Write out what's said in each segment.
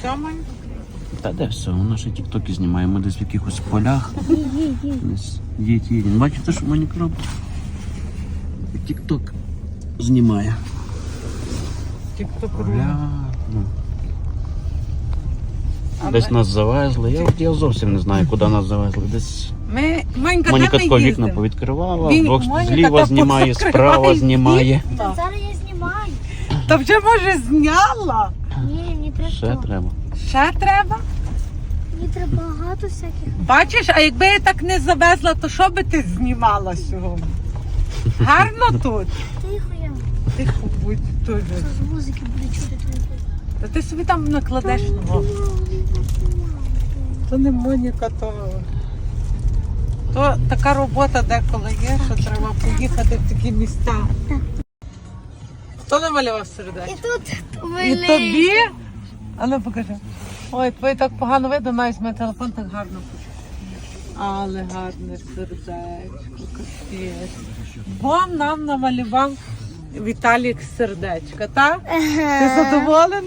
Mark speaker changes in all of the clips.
Speaker 1: Все, Мань?
Speaker 2: Та де все, вона ще тіктоки знімає, ми десь в якихось полях. Їдь. Бачите, що Моніка робить? Тікток знімає.
Speaker 1: Тікток
Speaker 2: Поля. Десь нас завезли. Я зовсім не знаю, куди нас завезли. Десь
Speaker 1: Манька,
Speaker 2: Моніка
Speaker 1: де ми
Speaker 2: тако вікна
Speaker 1: їздимо?
Speaker 2: повідкривала,
Speaker 1: Моніка
Speaker 2: зліва
Speaker 1: та
Speaker 2: знімає, справа знімає.
Speaker 3: Та зараз я знімаю.
Speaker 1: Та вже, може, зняла?
Speaker 3: Ні, мені треба.
Speaker 2: Ще треба.
Speaker 1: Ще треба?
Speaker 3: Мені треба багато всяких.
Speaker 1: Бачиш, а якби я так не завезла, то що би ти знімала сьогодні? Гарно тут.
Speaker 3: Тихо я.
Speaker 1: Тихо будь теж.
Speaker 3: З музики буде чути твої.
Speaker 1: Та ти собі там накладеш нового. То не Моніка, то така робота деколи є, що треба поїхати в такі міста. Хто намалював сердечко?
Speaker 3: І тут
Speaker 1: І тобі? А ну покажи. Ой, твоє так погано видно, навіть мій телефон так гарно пише. Але гарне сердечко, капець. Бо нам намалював Віталік сердечко, так? Ти задоволена?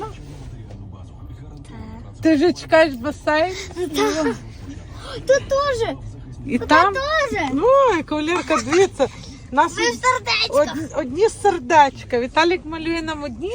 Speaker 1: Ти вже чекаєш басейн?
Speaker 3: Тут теж.
Speaker 1: І там?
Speaker 3: теж.
Speaker 1: Ой, кавалерка, дивіться. Нас
Speaker 3: Ви сердечко.
Speaker 1: одні сердечка. Віталік малює нам одні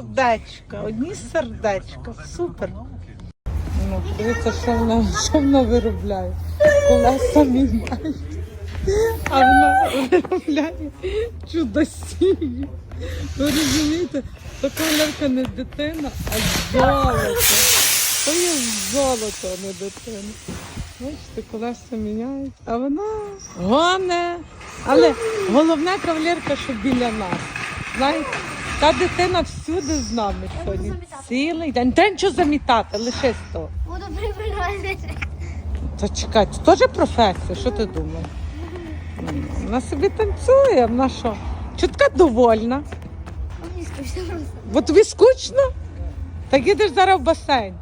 Speaker 1: сердечка. Супер. Ну, дивіться, що вона виробляє. Колеса міняє. А вона виробляє чудосії. Ви розумієте, то кавалерка не дитина, а золото. То є золото, а не дитина. Бачите, колеса міняють, а вона гоне. Але головне, кавалерка, що біля нас. Знаєте, та дитина всюди з нами сьогодні. Цілий день. Та нічого замітати, лише з того.
Speaker 3: Буду прибирати.
Speaker 1: Та чекай, це теж професія, що ти думаєш? Вона собі танцює, вона що? Чого така довольна?
Speaker 3: Мені скучно просто.
Speaker 1: Бо тобі скучно? Так їдеш зараз в басейн.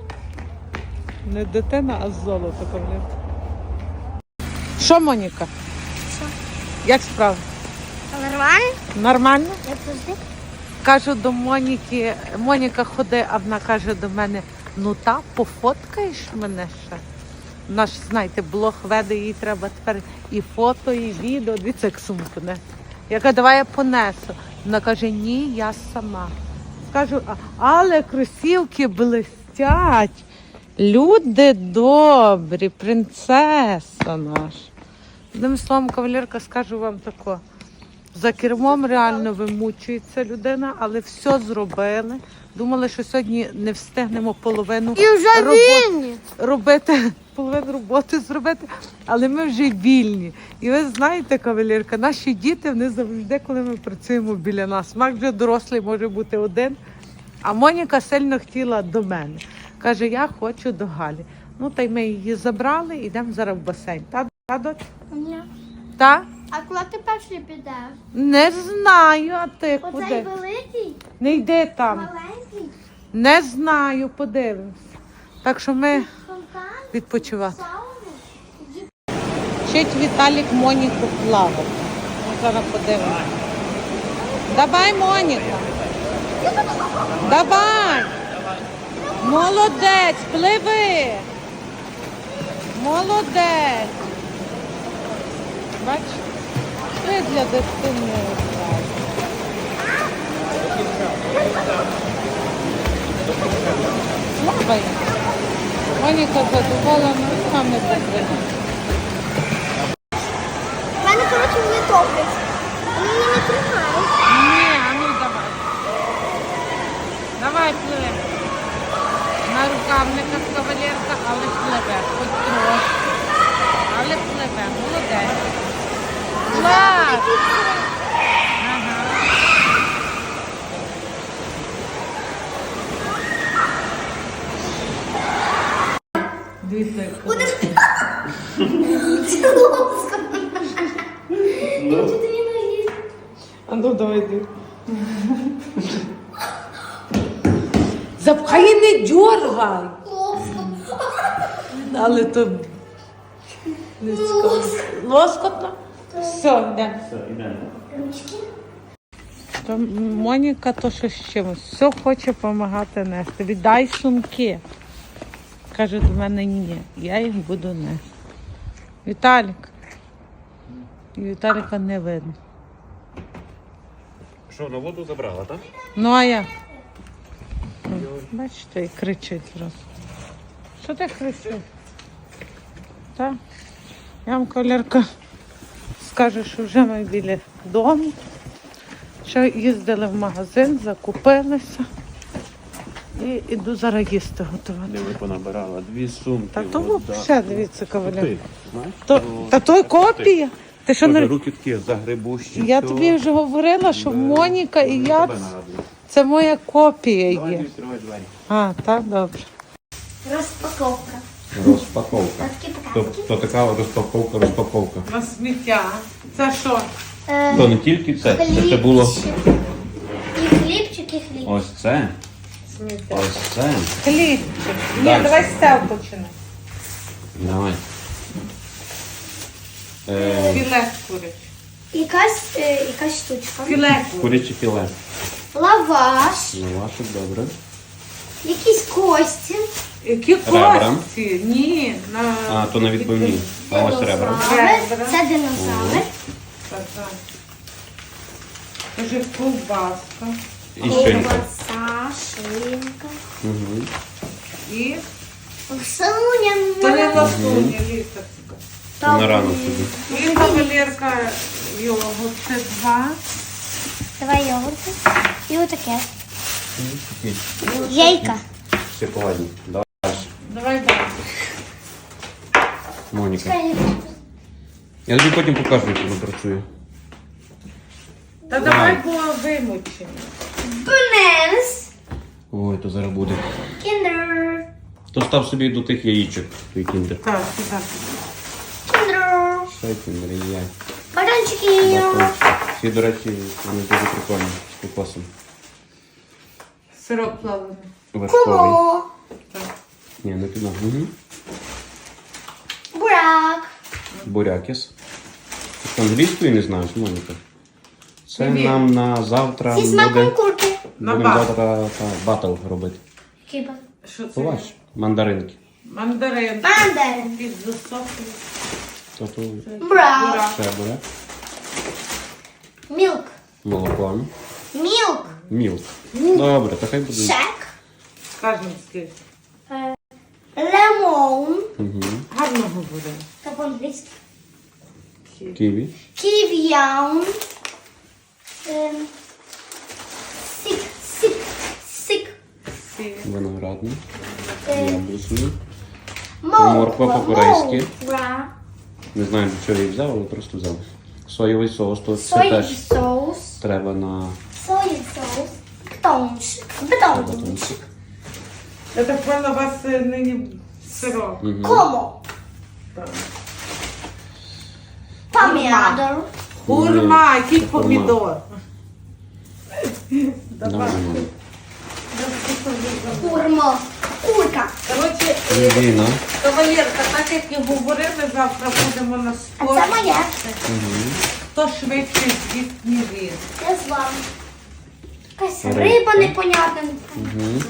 Speaker 1: Не дитина, а золото, кавалерка. Що, Моніка?
Speaker 3: Що?
Speaker 1: Як справа?
Speaker 3: Нормально?
Speaker 1: Нормально?
Speaker 3: Я завжди.
Speaker 1: Кажу до Моніки, Моніка ходи, а вона каже до мене, ну та, пофоткаєш мене ще? Вона ж, знаєте, блог веде, їй треба тепер і фото, і відео. Дивіться, як сумку не. Я кажу, давай я понесу. Вона каже, ні, я сама. Кажу, але кросівки блистять. Люди добрі, принцеса наша. Одним словом, кавалерка, скажу вам тако. За кермом реально вимучується людина, але все зробили. Думали, що сьогодні не встигнемо половину
Speaker 3: І вже вільні.
Speaker 1: робити, половину роботи зробити, але ми вже вільні. І ви знаєте, кавалерка, наші діти, вони завжди, коли ми працюємо біля нас. Мак вже дорослий може бути один, а Моніка сильно хотіла до мене. Каже, я хочу до Галі. Ну, та й ми її забрали, йдемо зараз в басейн. Та, доць?
Speaker 3: Ні.
Speaker 1: Та?
Speaker 3: А коли ти перший підеш?
Speaker 1: Не знаю, а ти
Speaker 3: Оцей
Speaker 1: куди?
Speaker 3: великий,
Speaker 1: Не йди там.
Speaker 3: маленький,
Speaker 1: Не знаю, подивимось. Так що ми
Speaker 3: фонтан,
Speaker 1: відпочивати.
Speaker 3: сауни.
Speaker 1: Вчить Віталік Моніку плавати. Ми зараз подивимося. Давай, Моніка. Давай. Молодець, пливи. Молодець. Бач, це для дитини. Слабий. Моніка задоволена, сам не потрібно.
Speaker 3: У мене, коротше, вони топлять. Вони мене не тримають.
Speaker 1: Ні, а ну давай. Давай пливи. На рукавниках кавалерка, але пливе. Хоч трошки. Але пливе. Молодець. Клас! Ага. Дивіться, як
Speaker 3: Чи ти не наїсть?
Speaker 1: а ну давай йди. Запхай і не дьоргай. Але то не цікаво. Лоскотно? Все, йдемо.
Speaker 3: Ручки.
Speaker 1: То Моніка то що з чимось. Все хоче допомагати нести. Віддай сумки. Каже до мене ні. Я їх буду нести. Віталік. І Віталіка не видно.
Speaker 2: Що, на воду забрала, так?
Speaker 1: Ну а як? Бачите, і кричить зразу. Що ти кричиш? Так? Я вам, кавалерка, скажу, що вже ми біля дому. Що їздили в магазин, закупилися. І іду зараз їсти готувати.
Speaker 2: Диви, понабирала 2 сумки.
Speaker 1: Та то
Speaker 2: вода.
Speaker 1: взагалі, дивіться, кавалерка.
Speaker 2: Ти знаєш?
Speaker 1: Та то копія. Ти що
Speaker 2: Боже,
Speaker 1: не...
Speaker 2: руки такі загребущі.
Speaker 1: Я
Speaker 2: все.
Speaker 1: тобі вже говорила, що Моніка і я,
Speaker 2: Тебе нагадую.
Speaker 1: це моя копія
Speaker 2: Давай
Speaker 1: є.
Speaker 2: відкривай двері.
Speaker 1: А, так, добре.
Speaker 3: Розпаковка.
Speaker 2: Розпаковка.
Speaker 3: Такі показки.
Speaker 2: То така розпаковка.
Speaker 1: На сміття. Це що?
Speaker 2: То не тільки це ще було
Speaker 3: Хлібчик. І хлібчик, і хліб.
Speaker 2: ось це,
Speaker 1: Сміття.
Speaker 2: ось це.
Speaker 1: Хлібчик. Ні,
Speaker 2: Дальше.
Speaker 1: давай з цього починай.
Speaker 2: Давай.
Speaker 1: Філе куряче.
Speaker 3: Якась штучка.
Speaker 1: Філе куряче.
Speaker 2: Куряче філе.
Speaker 3: Лаваш.
Speaker 2: Лавашик, добре.
Speaker 3: Якісь кості.
Speaker 1: Які
Speaker 2: Ребра.
Speaker 1: кості? Ні, на...
Speaker 2: А, то на відбивні. А ось ребра.
Speaker 3: Динозавр. Це динозавр.
Speaker 1: Так, так. Кажи, ковбаска.
Speaker 2: І щенка.
Speaker 3: Ковбаса, шинка.
Speaker 2: Угу.
Speaker 1: І
Speaker 3: Соня.
Speaker 1: переласуня, лісерська.
Speaker 2: На рану собі.
Speaker 1: І кавалерка його. Це 2.
Speaker 3: Давай йогурти. І отаке. Яйка.
Speaker 2: Шоколадні. Давай.
Speaker 1: Давай далі.
Speaker 2: Моніка. Я тобі потім покажу, як воно працює.
Speaker 1: Та давай було вимучені.
Speaker 3: Бенес.
Speaker 2: Ой, то зараз буде.
Speaker 3: Кіндер.
Speaker 2: То став собі до тих яєчок, той кіндер.
Speaker 1: Так, сюди.
Speaker 3: Кіндер.
Speaker 2: Ще кіндер і я.
Speaker 3: Батончики.
Speaker 2: Всі, до речі, вони дуже прикольні з кокосом.
Speaker 1: Сироп плавлений.
Speaker 2: Вершковий.
Speaker 3: Кумо.
Speaker 1: Так.
Speaker 2: Ні, не піду. Угу.
Speaker 3: Бурак.
Speaker 2: Бурякіс. Ти англійської не знаєш, Моніка? Це
Speaker 1: Ні.
Speaker 2: нам на завтра
Speaker 3: Зі смаком
Speaker 2: буде...
Speaker 3: курки.
Speaker 1: На
Speaker 2: Будемо
Speaker 1: бат.
Speaker 2: завтра батл робити.
Speaker 3: Кіба.
Speaker 1: Що це?
Speaker 2: Побач, мандаринки.
Speaker 1: Мандарин.
Speaker 3: Мандарин.
Speaker 1: Під засохлий.
Speaker 2: Тобто
Speaker 3: Бурак.
Speaker 2: ще буряк.
Speaker 3: Мілк.
Speaker 2: Молоко.
Speaker 3: Мілк.
Speaker 2: Мілк. Добре, то хай буде.
Speaker 3: Шек.
Speaker 1: Скажемо скільки.
Speaker 3: Лемон.
Speaker 2: Угу.
Speaker 1: Гарно говоримо.
Speaker 3: Та по-англійськи.
Speaker 2: Ківі.
Speaker 3: Ків'яун. Сік. Сік. Сік.
Speaker 1: Сі.
Speaker 2: Виноградний.
Speaker 3: Ем,
Speaker 2: Яблучний.
Speaker 3: Морква.
Speaker 2: Морква по-корейськи.
Speaker 3: Морква.
Speaker 2: Не знаю, для чого я її взяв, але просто взяв. Соєвий соус, то це
Speaker 3: Соєвий
Speaker 2: теж
Speaker 3: соус.
Speaker 2: треба на
Speaker 3: Соєвий соус. Батончик. Батончик.
Speaker 2: батончик.
Speaker 1: Я так поняла, у вас нині сироп.
Speaker 2: Угу.
Speaker 3: Комо.
Speaker 1: Так.
Speaker 3: Помідор.
Speaker 1: Хурма, який
Speaker 2: Хурма.
Speaker 1: помідор.
Speaker 2: Давай.
Speaker 3: Курма. Курка.
Speaker 1: Коротше,
Speaker 2: Віно.
Speaker 1: кавалерка, так як і говорили, завтра будемо на
Speaker 3: А
Speaker 1: спорті.
Speaker 3: це моє.
Speaker 1: Хто швидше з'їсть, ніж він.
Speaker 3: Я з вами. Якась
Speaker 2: Риба.
Speaker 3: риба непонятна.
Speaker 2: Угу.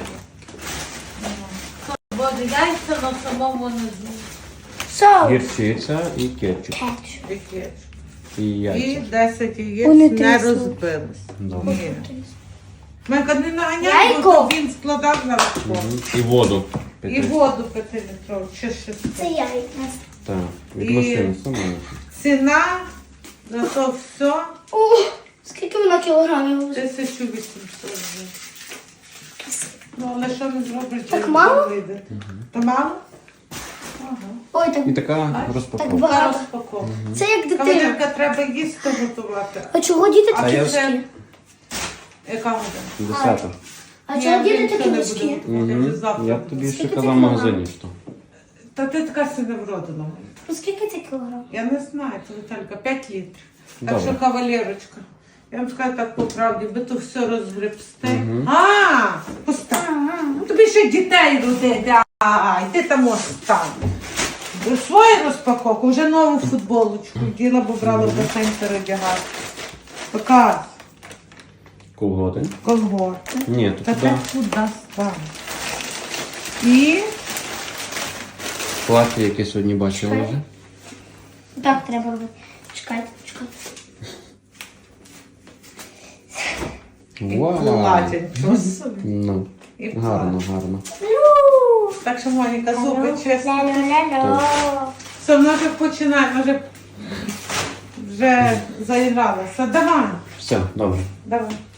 Speaker 1: Буде яйця на самому низу.
Speaker 3: Соус.
Speaker 2: Гірчиця і кетчуп.
Speaker 3: Кетчуп.
Speaker 1: Яке?
Speaker 2: І
Speaker 1: І
Speaker 2: яйця.
Speaker 1: 10 яєць
Speaker 3: Вони
Speaker 1: не
Speaker 3: тріснуть.
Speaker 1: розбились.
Speaker 2: Добре.
Speaker 1: Ні. Менка не наганяй,
Speaker 3: Яйко.
Speaker 1: бо він складав на розпор.
Speaker 2: Мгм. І воду.
Speaker 1: І воду 5-літрову, чи 6.
Speaker 3: Це яйка.
Speaker 2: Так, від
Speaker 1: І-
Speaker 2: машини саме.
Speaker 1: Ціна на то все
Speaker 3: О, скільки вона кілограмів?
Speaker 1: 1800 гривень. Ну, але що не зробиш?
Speaker 3: Так
Speaker 1: коли
Speaker 3: мало?
Speaker 1: вийде? Та мало? Ага.
Speaker 3: Ой, так,
Speaker 2: І така
Speaker 3: так
Speaker 2: розпаковка.
Speaker 1: Та
Speaker 3: багато.
Speaker 1: розпаковка.
Speaker 3: Це як дитина.
Speaker 1: Кавалерка, треба їсти готувати.
Speaker 3: А чого діти
Speaker 2: А
Speaker 3: такі
Speaker 2: я-
Speaker 3: вузькі?
Speaker 1: Яка година?
Speaker 2: 10.
Speaker 3: А
Speaker 1: Ні,
Speaker 3: чого діти
Speaker 1: він
Speaker 3: такі
Speaker 1: ще не
Speaker 3: вузькі?
Speaker 1: буде готувати, вже завтра
Speaker 2: Я
Speaker 1: буде.
Speaker 2: тобі ще
Speaker 3: Скільки
Speaker 2: казав в
Speaker 3: це
Speaker 2: магазині, що.
Speaker 1: Та ти така сильно вродина.
Speaker 3: Ну скільки це кілограм?
Speaker 1: Я не знаю, це Віталька, 5 літрів. Так
Speaker 2: Добре.
Speaker 1: що, кавалерочка, я вам скажу так по правді, ви то все розгребсте. А, постав. Ну, тобі ще дітей родити, ти там можеш стати. Свою розпаковку, вже нову футболочку діла, бо брала в басейн передягати. Показ.
Speaker 2: Колготи.
Speaker 1: колгорти.
Speaker 2: Ні, то
Speaker 1: Та
Speaker 2: туди
Speaker 1: так туди ставимо. І
Speaker 2: плаття, яке сьогодні бачила вже.
Speaker 3: Так треба робити. Чекайте.
Speaker 2: Вау!
Speaker 1: платять. Що собі.
Speaker 2: Ну,
Speaker 1: І
Speaker 2: гарно, гарно.
Speaker 1: Так що, Моніка, зуби чисто.
Speaker 3: Ля-ля-ля-ля.
Speaker 1: Все, вона вже починає, вже заігралася. Давай,
Speaker 2: Все, добре.
Speaker 1: давай.